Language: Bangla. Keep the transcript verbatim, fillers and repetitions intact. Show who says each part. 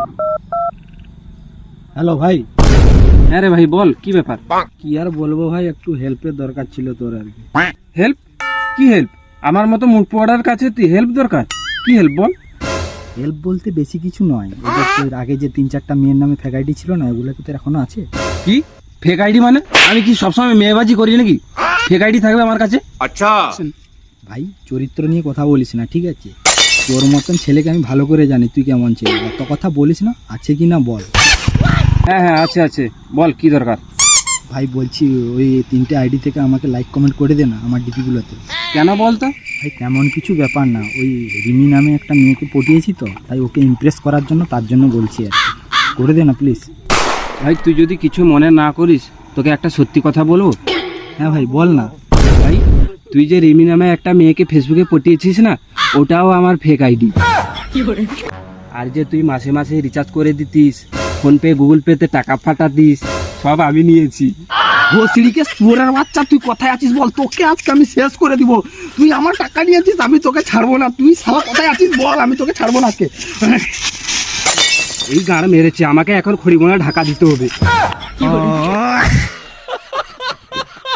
Speaker 1: হ্যালো ভাই।
Speaker 2: হ্যাঁ রে ভাই বল, কি ব্যাপার?
Speaker 1: কি আর বলবো ভাই, একটু হেল্পের দরকার ছিল তোর আর কি।
Speaker 2: হেল্প? কি হেল্প? আমার মতো মুখ পোড়ার কাছে তুই হেল্প দরকার? কি হেল্প বল?
Speaker 1: হেল্প বলতে বেশি কিছু নয়, এটা তোর আগে যে তিন চারটা মেয়ের নামে ফেক আইডি ছিল না, ওগুলো কি তোর এখনো আছে?
Speaker 2: কি ফেক আইডি মানে? আমি কি সবসময় মেয়েবাজি করি নাকি? ফেক আইডি থাকবে আমার কাছে?
Speaker 3: আচ্ছা
Speaker 1: ভাই চরিত্র নিয়ে কথা বলিস না, ঠিক আছে? তোর মতন ছেলেকে আমি ভালো করে জানি তুই কেমন ছেলে, এত কথা বলিস না, আছে কি না বল।
Speaker 2: হ্যাঁ হ্যাঁ আছে আছে, বল কি দরকার?
Speaker 1: ভাই বলছি ওই তিনটে আইডি থেকে আমাকে লাইক কমেন্ট করে দে না আমার ডিপিগুলোতে।
Speaker 2: কেন বলতো?
Speaker 1: ভাই তেমন কিছু ব্যাপার না, ওই রিমি নামে একটা মেয়েকে পটিয়েছি তো, তাই ওকে ইমপ্রেস করার জন্য, তার জন্য বলছি আর কি। করে দে না প্লিজ।
Speaker 2: ভাই তুই যদি কিছু মনে না করিস, তোকে একটা সত্যি কথা বলবো?
Speaker 1: হ্যাঁ ভাই বল না।
Speaker 2: ভাই তুই যে রিমি নামে একটা মেয়েকে ফেসবুকে পটিয়েছিস না, ওটাও আমার ফেক আইডি। আর যে তুই মাসে মাসে রিচার্জ করে দিতিস, ফোনপে গুগল পেতে টাকা ফাটাতিস, সব আমি নিয়েছি।
Speaker 1: ভোসড়িকে সুরের বাচ্চা, তুই কোথায় আছিস বল, তোকে আজকে আমি শেষ করে দিব। তুই আমার টাকা নিয়েছিস, আমি তোকে ছাড়বো না। তুই সারা কোথায় আছিস বল, আমি তোকে ছাড়বো না আজকে।
Speaker 2: এই গাড় মেরেছে আমাকে, এখন খড়িমোনা ঢাকা দিতে হবে।